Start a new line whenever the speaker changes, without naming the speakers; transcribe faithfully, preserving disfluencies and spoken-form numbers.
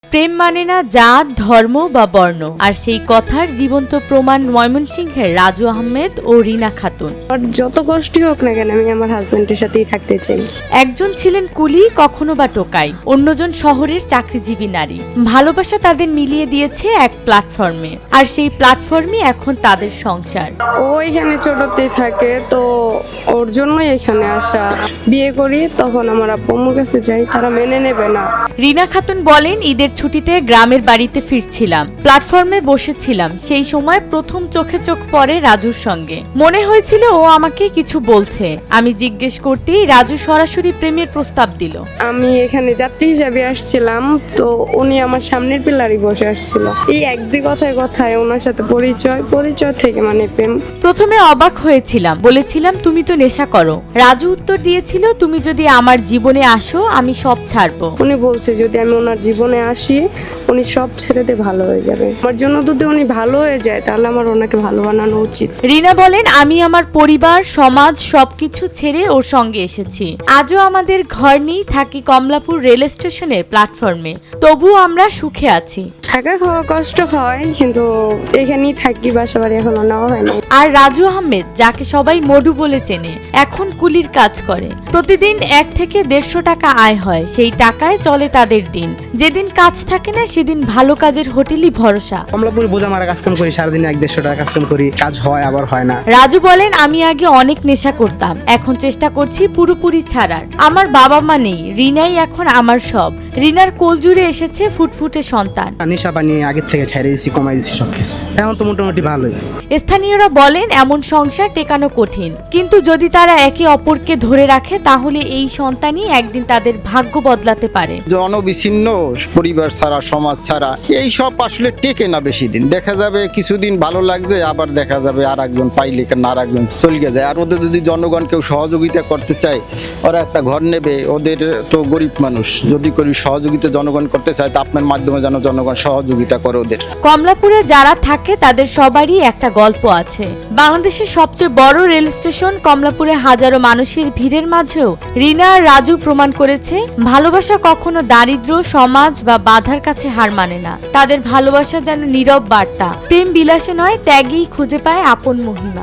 প্রেম মানে না জাত, ধর্ম বা বর্ণ। আর সেই কথার জীবন্ত প্রমাণ ময়মনসিংহের রাজু আহমেদ ও রিনা খাতুন।
যত কষ্টই হোক না কেন আমি আমার হাজবেন্ডের সাথেই থাকতে চাই।
একজন ছিলেন কুলি, কখনো বা টোকাই, অন্যজন শহরের চাকরিজীবী নারী। ভালোবাসা তাদের মিলিয়ে দিয়েছে এক প্ল্যাটফর্মে, আর সেই প্ল্যাটফর্মই এখন তাদের সংসার।
ও এখানে ছোটতেই থাকে, তো ওর জন্যই এখানে আসা। বিয়ে করি তখন আমার আব্বু আম্মুর কাছে যাই, তারা মেনে নেবে না।
রিনা খাতুন বলেন, ঈদের ছুটিতে গ্রামের বাড়িতে ফিরছিলাম, প্ল্যাটফর্মে বসেছিলাম। সেই সময় প্রথম চোখে চোখ পড়ে রাজুর সঙ্গে। মনে হয়েছিল ও আমাকে কিছু বলছে। আমি জিজ্ঞেস করতেই রাজু সরাসরি প্রেমের প্রস্তাব দিল।
আমি এখানে যাত্রী হিসাবে আসছিলাম, তো উনি আমার সামনের পিলারই বসে আসছিল। এই এক দুই কথায় কথায় ওনার সাথে পরিচয় পরিচয় থেকে মানে প্রেম।
প্রথমে অবাক হয়েছিলাম, বলেছিলাম তুমি তো নেশা করো। রাজু উত্তর দিয়েছিল, তুমি যদি আমার জীবনে আসো আমি সব ছাড়বো।
উনি বলছে যদি আমি ওনার জীবনে আসি উনি সব ছেড়ে দিয়ে ভালো হয়ে যাবে। আমার জন্য যদি উনি ভালো হয়ে যায় তাহলে আমার ওনাকে ভালো বানানো উচিত।
রিনা বলেন, আমি আমার পরিবার, সমাজ সবকিছু ছেড়ে ওর সঙ্গে এসেছি। আজও আমাদের ঘর নেই, থাকি কমলাপুর রেল স্টেশনের প্ল্যাটফর্মে। তবুও আমরা সুখে আছি।
থাকা খাওয়া কষ্ট হয়, কিন্তু এখানেই থাকি, বাসা বাড়ি এখনো নেওয়া হয় না।
আর রাজু আহমেদ, যাকে সবাই মডু বলে চেনে, এখন কুলির কাজ করে। প্রতিদিন এক থেকে দেড়শো টাকা আয় হয়। সেই টাকায় চলে তাদের দিন। যেদিন কাজ থাকে না সেদিন ভালো কাজের হোটেলই ভরসা।
কমলাপুরে বোঝা মারা কাজ কাম করি, সারাদিনে এক দেড়শো টাকা কাজ কাম করি, কাজ হয় আবার হয় না।
রাজু বলেন, আমি আগে অনেক নেশা করতাম, এখন চেষ্টা করছি পুরোপুরি ছাড়ার। আমার বাবা মা নেই, রিনাই এখন আমার সব। রিনার কোল জুড়ে এসেছে ফুটফুটে সন্তান।
নেশা পানি আগের থেকে ছেড়ে দিয়েছি, কমাই দিচ্ছি সবকিছু। এখন তো মোটামুটি ভালোই।
স্থানীয়রা বলেন, এমন সংসার টেকানো কঠিন, কিন্তু যদি তারা একে অপরকে ধরে রাখে তাহলে এই সন্তানই একদিন তাদের ভাগ্য বদলাতে পারে।
জনবিচ্ছিন্ন পরিবার ছাড়া, সমাজ ছাড়া এই সব আসলে টেকে না বেশি দিন। দেখা যাবে কিছুদিন ভালো লাগছে, আবার দেখা যাবে আর একজন পাইলে না আর একজন চলে যায়। আর ওদের যদি জনগণ কেউ সহযোগিতা করতে চায়, ওরা একটা ঘর নেবে। ওদের তো গরিব মানুষ, যদি করি সহযোগিতা জনগণ করতে চায় তা আপনার মাধ্যমে যেন জনগণ সহযোগিতা করে ওদের।
কমলাপুরে যারা থাকে তাদের সবারই একটা গল্প আছে। বাংলাদেশের সবচেয়ে বড় রেল স্টেশন কমলাপুরে হাজারো মানুষের ভিড়ের মাঝেও রিনা আর রাজু প্রমাণ করেছে, ভালোবাসা কখনো দারিদ্র্য, সমাজ বা বাধার কাছে হার মানে না। তাদের ভালোবাসা যেন নীরব বার্তা। প্রেম বিলাসে নয়, ত্যাগেই খুঁজে পায় আপন মহিমা।